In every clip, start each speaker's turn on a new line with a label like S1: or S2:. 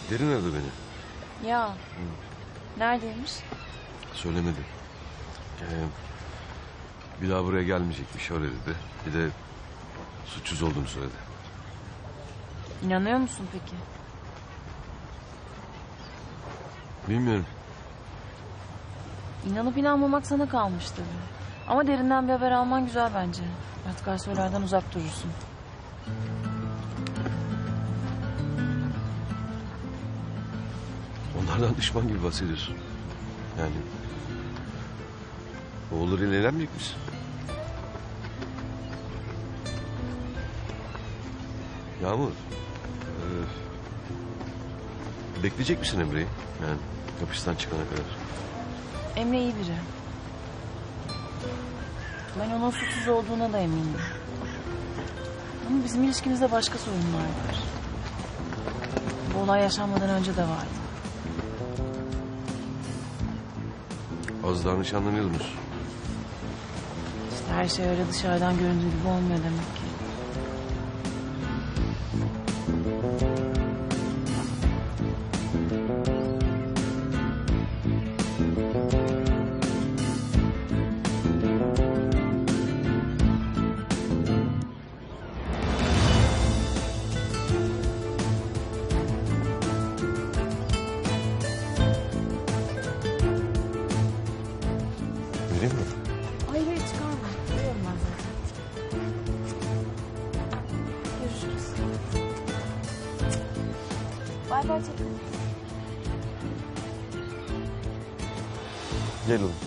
S1: Derin aradı beni.
S2: Ya. Neredeymiş?
S1: Söylemedi. Bir daha buraya gelmeyecekmiş, öyle dedi. Bir de suçsuz olduğunu söyledi.
S2: İnanıyor musun peki?
S1: Bilmiyorum.
S2: İnanıp inanmamak sana kalmış tabii. Ama derinden bir haber alman güzel bence. Artık Aysoylardan uzak durursun.
S1: Onlardan düşman gibi bahsediyorsun. Yani... oğullarıyla evlenmeyecek misin? Yağmur... bekleyecek misin Emre'yi? Yani hapisten çıkana kadar.
S2: Emre iyi biri. Ben onun suçsuz olduğuna da eminim. Ama bizim ilişkimizde başka sorunlar var. Bu olay yaşanmadan önce de vardı.
S1: Az daha nişanlanıyordunuz.
S2: İşte her şey öyle dışarıdan göründüğü gibi olmuyor demek ki.
S1: Vereyim mi?
S2: Hayır hayır çıkarma. Biliyorum ben zaten. Görüşürüz. Bay bay Çetin.
S1: Gel oğlum.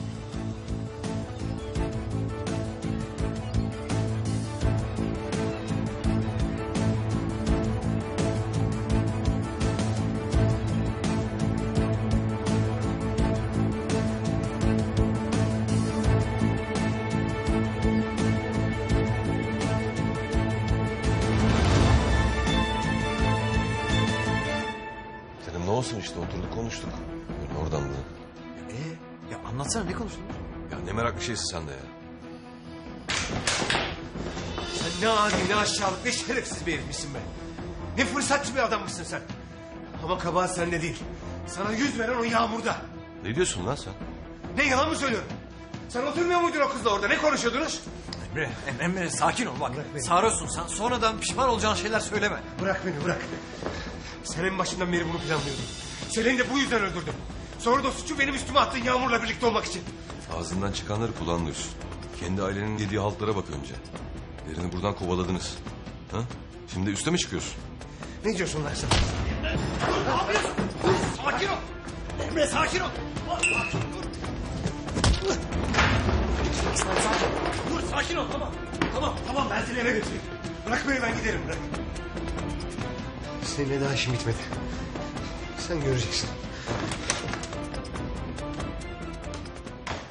S1: Dedim ne olsun işte, oturduk konuştuk. Böyle oradan da.
S3: Ya anlatsana, ne konuştunuz?
S1: Ya ne meraklı şeysin sen de ya.
S3: Sen ne adi, ne aşağılık, ne şerefsiz bir herifmişsin be. Ne fırsatçı bir adammışsın sen. Ama kabahat sende değil. Sana yüz veren o Yağmur'da.
S1: Ne diyorsun lan sen?
S3: Ne, yalan mı söylüyorum? Sen oturmuyor muydun o kızla orada? Ne konuşuyordunuz?
S4: Emre sakin ol bak. Sarhoşsun sen, sonradan pişman olacağın şeyler söyleme.
S3: Bırak beni, bırak. Sen en başından beri bunu planlıyordun. Selen'i de bu yüzden öldürdüm. Sonra da suçu benim üstüme attın Yağmur'la birlikte olmak için.
S1: Ağzından çıkanları kulağın duysun. Kendi ailenin yediği haltlara bak önce. Derini buradan kovaladınız. Ha? Şimdi üste mi çıkıyorsun?
S3: Ne diyorsun lan sen?
S4: Ne yapıyorsun? Sakin ol. Emre sakin ol. Dur sakin ol, tamam. Tamam
S3: Ben seni eve götüreyim. Bırak beni, ben giderim, bırak. Seninle daha işim bitmedi. Sen göreceksin.